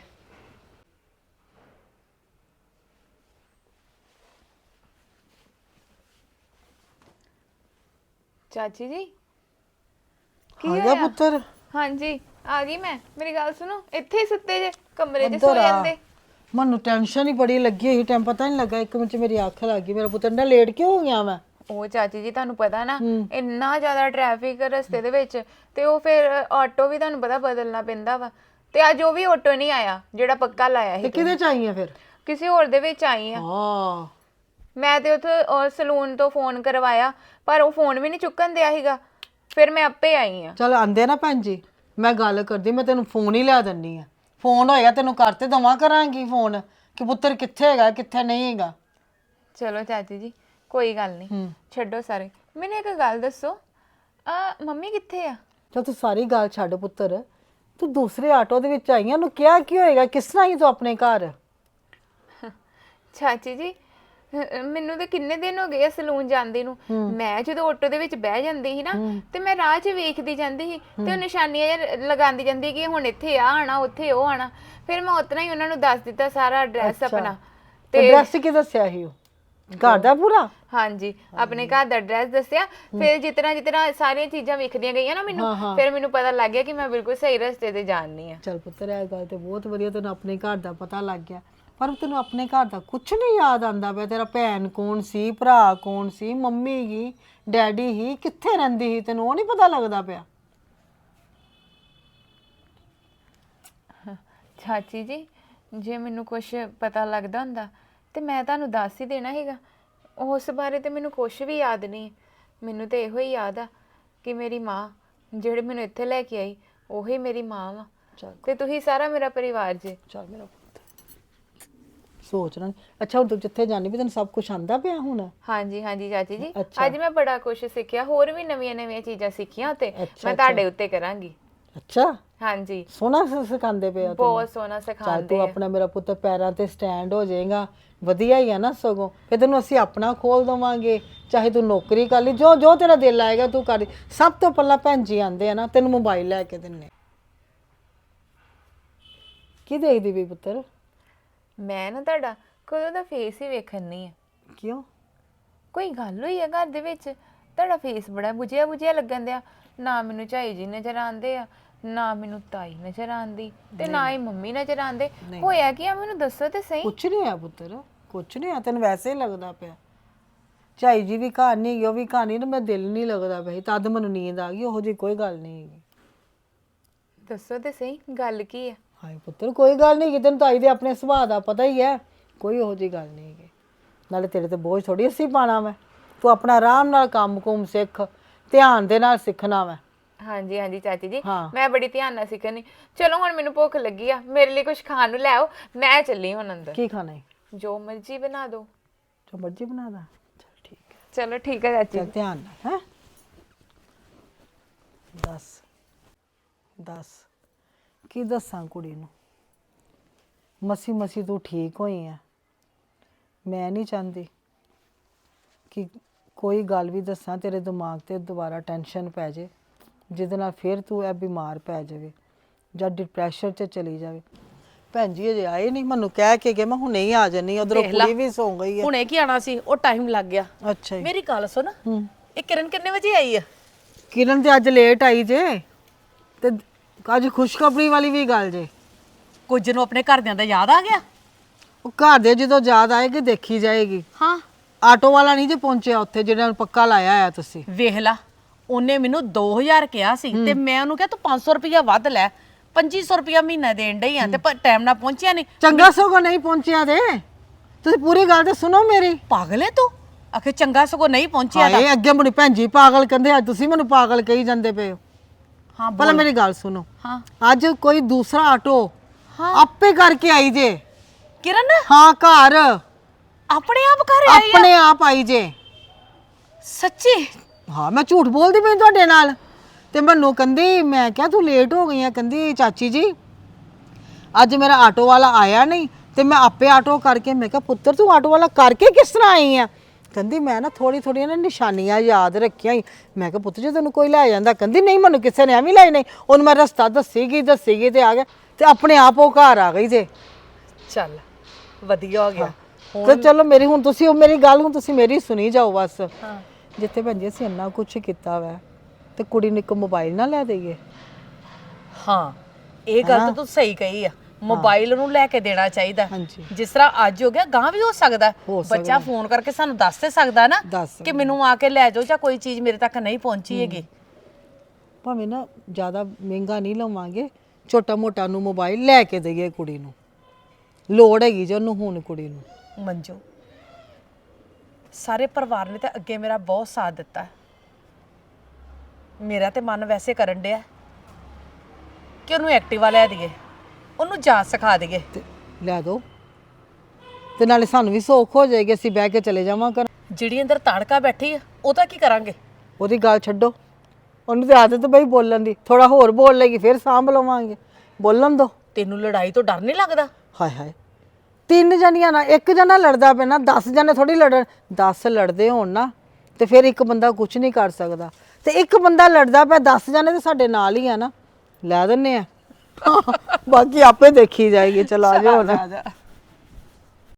E: ਚਾਚੀ ਜੀ ਕੀ
B: ਆ ਗਿਆ
E: ਹੋਇਆ?
B: ਪੁੱਤਰ?
E: ਹਾਂਜੀ ਆ ਗਈ ਮੈਂ। ਮੇਰੀ ਗੱਲ ਸੁਣੋ, ਇੱਥੇ ਹੀ ਸੁੱਤੇ ਜੇ, ਕਮਰੇ 'ਚ ਸੋ ਜਾਂਦੇ।
B: ਮੈਨੂੰ ਟੈਨਸ਼ਨ ਹੀ ਬੜੀ ਲੱਗੀ ਹੋਈ। ਟਾਈਮ ਪਤਾ ਨਹੀਂ ਲੱਗਾ, 1 ਮਿੰਟ 'ਚ ਮੇਰੀ ਅੱਖ ਲੱਗ ਗਈ। ਮੇਰਾ ਪੁੱਤਰ ਨਾ ਲੇਟ ਕਿਉਂ ਹੋ ਗਿਆ ਮੈਂ?
E: ਉਹ ਚਾਚੀ ਜੀ ਤੁਹਾਨੂੰ ਪਤਾ ਨਾ, ਇੰਨਾ ਜ਼ਿਆਦਾ ਟ੍ਰੈਫਿਕ ਰਸਤੇ ਦੇ ਵਿੱਚ, ਤੇ ਉਹ ਫਿਰ ਆਟੋ ਵੀ ਤੁਹਾਨੂੰ ਪਤਾ ਬਦਲਣਾ ਪੈਂਦਾ ਵਾ। ਤੇ ਅੱਜ ਉਹ ਵੀ ਆਟੋ ਨਹੀਂ ਆਇਆ ਜਿਹੜਾ ਪੱਕਾ ਲਾਇਆ
B: ਤੇ
E: ਸੀ।
B: ਕਿਹਦੇ ਚ ਆਈ ਆ ਫਿਰ?
E: ਕਿਸੇ ਹੋਰ ਦੇ ਵਿੱਚ ਆਈ ਆ।
B: ਹਾਂ
E: ਮੈਂ ਤੇ ਉੱਥੇ ਸਲੂਨ ਤੋਂ ਫੋਨ ਕਰਵਾਇਆ, ਪਰ ਉਹ ਫੋਨ ਵੀ ਨਹੀਂ ਚੁੱਕਣ ਦਿਆ ਸੀਗਾ। ਫਿਰ ਮੈਂ ਆਪੇ ਆਈ ਆ।
B: ਚਲ ਆਂਦੇ ਨਾ ਭੈਣ ਜੀ, ਮੈਂ ਗੱਲ ਕਰਦੀ, ਮੈਂ ਤੈਨੂੰ ਫੋਨ ਹੀ ਲਿਆ ਦਿੰਨੀ ਆ। ਫੋਨ ਹੋਏਗਾ ਤੈਨੂੰ ਕਰ ਤੇ ਦਵਾਂ ਕਰਾਂਗੀ ਫੋਨ ਕਿ ਪੁੱਤਰ ਕਿੱਥੇ ਹੈਗਾ ਕਿੱਥੇ ਨਹੀਂ ਹੈਗਾ।
E: ਚਲੋ ਚਾਚੀ ਜੀ ਕੋਈ ਗੱਲ ਨਹੀਂ, ਛੱਡੋ ਸਾਰੇ। ਮੈਨੂੰ ਇੱਕ ਗੱਲ ਦੱਸੋ, ਮੰਮੀ ਕਿੱਥੇ ਆ?
B: ਚਲ ਤੂੰ ਸਾਰੀ ਗੱਲ ਛੱਡ ਪੁੱਤਰ, ਤੂੰ ਦੂਸਰੇ ਆਟੋ ਦੇ ਵਿੱਚ ਆਈ ਆ। ਉਹਨੂੰ ਕਿਹਾ ਕੀ ਹੋਏਗਾ, ਕਿਸ ਤਰ੍ਹਾਂ ਆਈ ਤੂੰ ਆਪਣੇ ਘਰ?
E: ਚਾਚੀ ਜੀ ਮੈਨੂੰ ਤੇ ਕਿੰਨੇ ਦਿਨ ਹੋ ਗਏ ਆ ਸਲੂਨ ਜਾਂਦੀ ਨੂੰ। ਮੈਂ ਜਦੋਂ ਆਟੋ ਦੇ ਵਿੱਚ ਬਹਿ ਜਾਂਦੀ ਸੀ ਨਾ, ਤੇ ਮੈਂ ਰਾਹ 'ਚ ਵੇਖਦੀ ਜਾਂਦੀ ਸੀ, ਤੇ ਉਹ ਨਿਸ਼ਾਨੀਆਂ ਲਗਾਉਂਦੀ ਜਾਂਦੀ ਕਿ ਹੁਣ ਇੱਥੇ ਆ ਆਣਾ, ਉੱਥੇ ਉਹ ਆਣਾ। ਫਿਰ ਮੈਂ ਉਤਨਾ ਹੀ ਉਹਨਾਂ ਨੂੰ ਦੱਸ ਦਿੱਤਾ ਸਾਰਾ ਐਡਰੈਸ ਆਪਣਾ।
B: ਤੇ ਐਡਰੈਸ ਕੀ ਦੱਸਿਆ ਸੀ ਉਹ ਘਰ ਦਾ ਪੂਰਾ?
E: ਹਾਂਜੀ ਆਪਣੇ ਘਰ ਦਾ ਐਡਰੈਸ ਦੱਸਿਆ। ਫਿਰ ਜਿਤਨਾ ਸਾਰੀਆਂ ਚੀਜ਼ਾਂ ਵਿਖਦੀਆਂ ਗਈਆਂ ਨਾ ਮੈਨੂੰ, ਫਿਰ ਮੈਨੂੰ ਪਤਾ ਲੱਗ ਗਿਆ ਕਿ ਮੈਂ ਬਿਲਕੁਲ ਸਹੀ ਰਸਤੇ ਤੇ ਜਾਣੀ ਆ।
B: ਚਲ ਪੁੱਤਰ ਇਹ ਗੱਲ ਤੇ ਬਹੁਤ ਵਧੀਆ, ਤੈਨੂੰ ਆਪਣੇ ਘਰ ਦਾ ਪਤਾ ਲੱਗ ਗਿਆ। ਪਰ ਤੈਨੂੰ ਆਪਣੇ ਘਰ ਦਾ ਕੁਝ ਨਹੀਂ ਯਾਦ ਆਂਦਾ ਪਿਆ। ਤੇਰਾ ਭੈਣ ਕੌਣ ਸੀ, ਭਰਾ ਕੌਣ ਸੀ, ਮੰਮੀ ਹੀ, ਡੈਡੀ ਹੀ, ਕਿੱਥੇ ਰਹਿੰਦੀ ਸੀ, ਤੈਨੂੰ ਉਹ ਨਹੀਂ ਪਤਾ ਲੱਗਦਾ ਪਿਆ?
E: ਚਾਚੀ ਜੀ ਜੇ ਮੈਨੂੰ ਕੁਝ ਪਤਾ ਲੱਗਦਾ ਹੁੰਦਾ ਤੇ ਮੈਂ ਤੁਹਾਨੂੰ ਦੱਸ ਹੀ ਦੇਣਾ ਸੀਗਾ। ਉਸ ਬਾਰੇ ਤੇ ਮੈਨੂੰ ਕੁਝ ਵੀ ਯਾਦ ਨਹੀਂ। ਮੈਨੂੰ ਤੇ ਇਹੋ ਹੀ ਯਾਦ ਆ ਕਿ ਮੇਰੀ ਮਾਂ ਜਿਹੜੇ ਮੈਨੂੰ ਇੱਥੇ ਲੈ ਕੇ ਆਈ ਉਹੀ ਮੇਰੀ ਮਾਂ ਵਾ, ਤੇ ਤੁਸੀਂ ਸਾਰਾ ਮੇਰਾ ਪਰਿਵਾਰ ਜੇ।
B: ਚੱਲ ਮੇਰਾ ਪੁੱਤ ਸੋਚਣਾ। ਅੱਛਾ ਹੁਣ ਤੂੰ ਜਿੱਥੇ ਜਾਣੀ ਵੀ ਤੈਨੂੰ ਸਭ ਕੁਝ ਆਂਦਾ ਪਿਆ ਹੁਣ?
E: ਹਾਂਜੀ ਹਾਂਜੀ ਚਾਚੀ ਜੀ, ਅੱਜ ਮੈਂ ਬੜਾ ਕੁਝ ਸਿੱਖਿਆ। ਹੋਰ ਵੀ ਨਵੀਆਂ ਚੀਜ਼ਾਂ ਸਿੱਖੀਆਂ ਤੇ ਮੈਂ ਤੁਹਾਡੇ ਉੱਤੇ ਕਰਾਂਗੀ।
B: ਅੱਛਾ
E: ਹਾਂਜੀ
B: ਸੋਹਣਾ ਸਿਖਾਉਂਦੇ ਪਏ ਆ?
E: ਬਹੁਤ ਸੋਹਣਾ
B: ਚੱਲ
E: ਸਿਖਾਉਂਦੇ
B: ਤੂੰ
E: ਆ।
B: ਆਪਣਾ ਮੇਰਾ ਪੁੱਤ ਪੈਰਾਂ ਤੇ ਸਟੈਂਡ ਹੋ ਜਾਏਗਾ, ਵਧੀਆ ਹੀ ਆ ਨਾ। ਸਗੋਂ ਫਿਰ ਤੈਨੂੰ ਅਸੀਂ ਆਪਣਾ ਖੋਲ ਦਵਾਂਗੇ, ਚਾਹੇ ਤੂੰ ਨੌਕਰੀ ਕਰ ਲਈ, ਜੋ ਜੋ ਤੇਰਾ ਦਿਲ ਆਏਗਾ ਤੂੰ ਕਰ। ਸਭ ਤੋਂ ਪਹਿਲਾਂ ਭੈਣ ਜੀ ਆਂਦੇ ਆ ਨਾ, ਤੈਨੂੰ ਮੋਬਾਈਲ ਲੈ ਕੇ ਦਿੰਨੇ। ਕੀ ਦੇਖਦੀ ਵੀ ਪੁੱਤਰ?
E: ਮੈਂ ਨਾ ਤੁਹਾਡਾ ਕਦੋਂ ਦਾ ਫੇਸ ਹੀ ਵੇਖਣ ਨਹੀਂ ਆ।
B: ਕਿਉਂ?
E: ਕੋਈ ਗੱਲ ਹੋਈ ਆ ਘਰ ਦੇ ਵਿੱਚ? ਤੁਹਾਡਾ ਫੇਸ ਬੜਾ ਬੁਝਿਆ ਬੁਝਿਆ ਲੱਗਣ ਦਿਆ। ਨਾ ਮੈਨੂੰ ਝਾਈ ਜੀ ਨਜ਼ਰ ਆਉਂਦੇ ਆ, ਨਾ ਮੈਨੂੰ ਤਾਈ ਨਜ਼ਰ ਆਉਂਦੀ, ਤੇ ਨਾ ਹੀ ਮੰਮੀ ਨਜ਼ਰ ਆਉਂਦੇ। ਹੋਇਆ ਕੀ ਆ ਮੈਨੂੰ ਦੱਸੋ ਤੇ ਸਹੀ।
B: ਕੁਛ ਨਹੀਂ ਆ ਪੁੱਤਰ, ਕੁਛ ਨਹੀਂ ਆ। ਤੈਨੂੰ ਵੈਸੇ ਹੀ ਲੱਗਦਾ ਪਿਆ। ਝਾਈ ਜੀ ਵੀ ਘਰ ਨਹੀਂ ਗਈ, ਉਹ ਵੀ ਘਰ ਨਹੀਂ, ਨਾ ਮੈਂ ਦਿਲ ਨਹੀਂ ਲੱਗਦਾ ਪਿਆ। ਤਦ ਮੈਨੂੰ ਨੀਂਦ ਆ ਗਈ। ਉਹੋ ਜਿਹੀ ਕੋਈ ਗੱਲ ਨਹੀਂ ਹੈਗੀ।
E: ਦੱਸੋ ਤੇ ਸਹੀ ਗੱਲ ਕੀ ਆ?
B: ਹਾਏ ਪੁੱਤਰ ਕੋਈ ਗੱਲ ਨਹੀਂ, ਤੈਨੂੰ ਤਾਈ ਦੇ ਆਪਣੇ ਸੁਭਾਅ ਦਾ ਪਤਾ ਹੀ ਹੈ। ਕੋਈ ਉਹੋ ਜਿਹੀ ਗੱਲ ਨਹੀਂ ਹੈਗੀ। ਨਾਲੇ ਤੇਰੇ ਤੇ ਬੋਝ ਥੋੜੀ ਅਸੀਂ ਪਾਣਾ ਵਾ। ਤੂੰ ਆਪਣਾ ਆਰਾਮ ਨਾਲ ਕੰਮ ਕੁਮ ਸਿੱਖ, ਧਿਆਨ ਦੇ ਨਾਲ ਸਿੱਖਣਾ ਵਾ।
E: ਹਾਂਜੀ ਹਾਂਜੀ ਚਾਚੀ ਜੀ ਮੈਂ ਬੜੀ ਧਿਆਨ ਨਾਲ ਸਿੱਖਣੀ। ਚਲੋ ਹੁਣ ਮੈਨੂੰ ਭੁੱਖ ਲੱਗੀ ਆ, ਮੇਰੇ ਲਈ ਕੁਝ ਖਾਣ ਨੂੰ ਲੈ ਆਓ। ਮੈਂ ਚੱਲੀ ਹੁਣ ਅੰਦਰ।
B: ਕੀ ਖਾਣਾ ਹੈ?
E: ਜੋ ਮਰਜ਼ੀ ਬਣਾ ਦਿਓ।
B: ਜੋ ਮਰਜ਼ੀ ਬਣਾ ਦਾਂ। ਚਲ ਠੀਕ ਹੈ।
E: ਚਲੋ ਠੀਕ ਹੈ ਚਾਚੀ।
B: ਚੱਲ ਧਿਆਨ ਨਾਲ। ਹੈ ਦੱਸ ਕੀ ਦੱਸਾਂ ਕੁੜੀ ਨੂੰ? ਮਸੀ ਮਸੀ ਤੂੰ ਠੀਕ ਹੋਈ ਆ। ਮੈਂ ਨਹੀਂ ਚਾਹੁੰਦੀ ਕਿ ਕੋਈ ਗੱਲ ਵੀ ਦੱਸਾਂ ਤੇਰੇ ਦਿਮਾਗ ਤੇ ਦੁਬਾਰਾ ਟੈਨਸ਼ਨ ਪੈ ਜੇ, ਜਿਹਦੇ ਨਾਲ ਫਿਰ ਤੂੰ ਇਹ ਬਿਮਾਰ ਪੈ ਜਾਵੇ ਜਾਂ ਡਿਪਰੈਸ਼ਨ 'ਚ ਚਲੀ ਜਾਵੇ। ਭੈਣ ਜੀ ਅਜੇ ਆਏ ਨਹੀਂ, ਮੈਨੂੰ ਕਹਿ ਕੇ ਗਏ ਮੈਂ ਹੁਣੇ ਹੀ ਆ ਜਾਨੀ। ਉਧਰੋਂ ਕੁੜੀ ਵੀ ਸੌਂ ਗਈ ਹੈ।
A: ਹੁਣੇ ਕੀ ਆਣਾ ਸੀ, ਉਹ ਟਾਈਮ ਲੱਗ ਗਿਆ।
B: ਅੱਛਾ ਜੀ।
A: ਮੇਰੀ ਗੱਲ ਸੁਣ, ਇਹ ਕਿਰਨ ਕਿੰਨੇ ਵਜੇ ਆਈ ਆ?
B: ਕਿਰਨ ਤੇ ਅੱਜ ਲੇਟ ਆਈ ਜੇ ਤੇ ਅੱਜ ਖੁਸ਼ਖਬਰੀ ਵਾਲੀ ਵੀ ਗੱਲ ਜੇ।
A: ਕੁਝ ਨੂੰ ਆਪਣੇ ਘਰਦਿਆਂ ਦਾ ਯਾਦ ਆ ਗਿਆ?
B: ਉਹ ਘਰ ਦੇ ਜਦੋਂ ਯਾਦ ਆਏਗੀ ਦੇਖੀ ਜਾਏਗੀ।
A: ਹਾਂ,
B: ਆਟੋ ਵਾਲਾ ਨਹੀਂ ਜੇ ਪਹੁੰਚਿਆ ਉੱਥੇ ਜਿਹੜਾ ਨੂੰ ਪੱਕਾ ਲਾਇਆ ਆ ਤੁਸੀਂ।
A: ਵੇਖ ਲਾ, ਉਹਨੇ ਮੈਨੂੰ 2000 ਕਿਹਾ ਸੀ ਤੇ ਮੈਂ ਉਹਨੂੰ ਕਿਹਾ ਤੂੰ 500 ਰੁਪਇਆ ਵੱਧ ਲੈ, 2500 ਰੁਪਇਆ ਮਹੀਨਾ ਦੇਣ ਡਈ ਆ ਤੇ ਪਰ ਟਾਈਮ ਨਾਲ ਪਹੁੰਚਿਆ ਨਹੀਂ।
B: ਚੰਗਾ ਸਗੋਂ ਨਹੀਂ ਪਹੁੰਚਿਆ ਤੇ ਤੁਸੀਂ ਪੂਰੀ ਗੱਲ ਤੇ ਸੁਣੋ ਮੇਰੀ।
A: ਪਾਗਲ ਹੈ ਤੂੰ? ਆਖੇ ਚੰਗਾ ਸਗੋਂ ਨਹੀਂ ਪਹੁੰਚਿਆ ਤਾਂ।
B: ਹਾਏ ਅੱਗੇ ਮੇਰੀ ਭੈਣ ਜੀ ਪਾਗਲ ਕਹਿੰਦੇ, ਅੱਜ ਤੁਸੀਂ ਮੈਨੂੰ ਪਾਗਲ ਕਹੀ ਜਾਂਦੇ ਪਏ ਹੋ।
A: ਹਾਂ
B: ਪਹਿਲਾਂ ਮੇਰੀ ਗੱਲ ਸੁਣੋ।
A: ਹਾਂ
B: ਅੱਜ ਕੋਈ ਦੂਸਰਾ ਆਟੋ ਆਪੇ ਕਰਕੇ ਆਈ ਜੇ।
A: ਕਿਰਨ
B: ਹਾਂ ਘਰ
A: ਆਪਣੇ ਆਪ ਘਰ ਆਈ ਆ?
B: ਆਪਣੇ ਆਪ ਆਈ ਜੇ।
A: ਸੱਚੀ?
B: ਹਾਂ ਮੈਂ ਝੂਠ ਬੋਲਦੀ ਪਈ ਤੁਹਾਡੇ ਨਾਲ। ਤੇ ਮੈਨੂੰ ਕਹਿੰਦੀ, ਮੈਂ ਕਿਹਾ ਤੂੰ ਲੇਟ ਹੋ ਗਈ ਆ, ਕਹਿੰਦੀ ਚਾਚੀ ਜੀ ਅੱਜ ਮੇਰਾ ਆਟੋ ਵਾਲਾ ਆਇਆ ਨਹੀਂ ਤੇ ਮੈਂ ਆਪੇ ਆਟੋ ਕਰਕੇ। ਮੈਂ ਕਿਹਾ ਪੁੱਤਰ ਤੂੰ ਆਟੋ ਵਾਲਾ ਕਰਕੇ ਕਿਸ ਤਰ੍ਹਾਂ ਆਈ ਆ? ਕਹਿੰਦੀ ਮੈਂ ਨਾ ਥੋੜੀਆਂ ਨਾ ਨਿਸ਼ਾਨੀਆਂ ਯਾਦ ਰੱਖੀਆਂ ਹੀ। ਮੈਂ ਕਿਹਾ ਪੁੱਤ ਜੇ ਤੈਨੂੰ ਕੋਈ ਲੈ ਜਾਂਦਾ। ਕਹਿੰਦੀ ਨਹੀਂ ਮੈਨੂੰ ਕਿਸੇ ਨੇ ਐਵੇਂ ਲੈ ਨਹੀਂ, ਉਹਨੂੰ ਮੈਂ ਰਸਤਾ ਦੱਸੀਗੀ ਤੇ ਆ ਗਿਆ ਤੇ ਆਪਣੇ ਆਪ ਉਹ ਘਰ ਆ ਗਈ ਜੇ।
A: ਚੱਲ ਵਧੀਆ ਹੋ ਗਿਆ।
B: ਤੇ ਚਲੋ ਮੇਰੀ ਹੁਣ ਤੁਸੀਂ ਉਹ ਮੇਰੀ ਗੱਲ ਹੁਣ ਤੁਸੀਂ ਮੇਰੀ ਸੁਣੀ ਜਾਓ ਬਸ। ਜਿੱਥੇ ਭੈਣ ਜੀ ਅਸੀਂ ਇੰਨਾ ਕੁਝ ਕੀਤਾ ਵਾ ਤੇ ਕੁੜੀ ਨੂੰ ਇੱਕ ਮੋਬਾਈਲ ਨਾ ਲੈ ਦੇਈਏ।
A: ਹਾਂ ਇਹ ਗੱਲ ਤਾਂ ਤੂੰ ਸਹੀ ਕਹੀ ਆ, ਮੋਬਾਈਲ ਨੂੰ ਲੈ ਕੇ ਦੇਣਾ ਚਾਹੀਦਾ।
B: ਹਾਂਜੀ।
A: ਜਿਸ ਤਰ੍ਹਾਂ ਅੱਜ ਹੋ ਗਿਆ ਗਾਂ ਵੀ ਹੋ ਸਕਦਾ। ਬੱਚਾ ਫੋਨ ਕਰਕੇ ਸਾਨੂੰ ਦੱਸ ਤੇ ਸਕਦਾ ਨਾ ਕਿ ਮੈਨੂੰ ਆ ਕੇ ਲੈ ਜਾਓ ਜਾਂ ਕੋਈ ਚੀਜ਼ ਮੇਰੇ ਤੱਕ ਨਹੀਂ ਪਹੁੰਚੀ ਹੈਗੀ।
B: ਭਾਵੇਂ ਨਾ ਜ਼ਿਆਦਾ ਮਹਿੰਗਾ ਨਹੀਂ ਲਵਾਂਗੇ, ਛੋਟਾ ਮੋਟਾ ਨੂੰ ਮੋਬਾਈਲ ਲੈ ਕੇ ਦੇਈਏ ਕੁੜੀ ਨੂੰ। ਲੋੜ ਹੈਗੀ ਜੇ ਉਹਨੂੰ ਹੁਣ ਕੁੜੀ ਨੂੰ।
A: ਮੰਜੂ ਸਾਰੇ ਪਰਿਵਾਰ ਨੇ ਤਾਂ ਅੱਗੇ ਮੇਰਾ ਬਹੁਤ ਸਾਥ ਦਿੱਤਾ। ਮੇਰਾ ਤੇ ਮਨ ਵੈਸੇ ਕਰਨ ਡਿਆ ਕਿ ਉਹਨੂੰ ਐਕਟਿਵਾ ਲੈ ਦਈਏ, ਉਹਨੂੰ ਜਾ ਸਿਖਾ ਦਈਏ।
B: ਤੇ ਲੈ ਦੋ ਤੇ ਨਾਲੇ ਸਾਨੂੰ ਵੀ ਸੌਖ ਹੋ ਜਾਏਗੀ, ਅਸੀਂ ਬਹਿ ਕੇ ਚਲੇ ਜਾਵਾਂ ਕਰ।
A: ਜਿਹੜੀ ਅੰਦਰ ਤਾੜਕਾ ਬੈਠੀ ਆ ਉਹਦਾ ਕੀ ਕਰਾਂਗੇ?
B: ਉਹਦੀ ਗੱਲ ਛੱਡੋ, ਉਹਨੂੰ ਤੇ ਆਦਤ ਬਈ ਬੋਲਣ ਦੀ। ਥੋੜਾ ਹੋਰ ਬੋਲ ਲੇਗੀ ਫਿਰ ਸਾਂਭ ਲਵਾਂਗੇ, ਬੋਲਣ ਦੋ।
A: ਤੈਨੂੰ ਲੜਾਈ ਤੋਂ ਡਰ ਨਹੀਂ ਲੱਗਦਾ?
B: ਹਾਏ ਹਾਏ, 3 ਜਣੀਆਂ ਨਾਲ ਇੱਕ ਜਣਾ ਲੜਦਾ ਪਿਆ ਨਾ, 10 ਜਣੇ ਥੋੜੀ ਲੜਨ। 10 ਲੜਦੇ ਹੋਣ ਨਾ ਤੇ ਫਿਰ ਇੱਕ ਬੰਦਾ ਕੁਝ ਨਹੀਂ ਕਰ ਸਕਦਾ। ਤੇ ਇੱਕ ਬੰਦਾ ਲੜਦਾ ਪਿਆ, 10 ਜਣੇ ਤੇ ਸਾਡੇ ਨਾਲ ਹੀ ਆ ਨਾ, ਲੈ ਦਿੰਨੇ ਆ। ਬਾਕੀ ਆਪੇ ਦੇਖੀ ਜਾਏਗੀ। ਚਲ ਆ ਜਾਓ ਨਾ।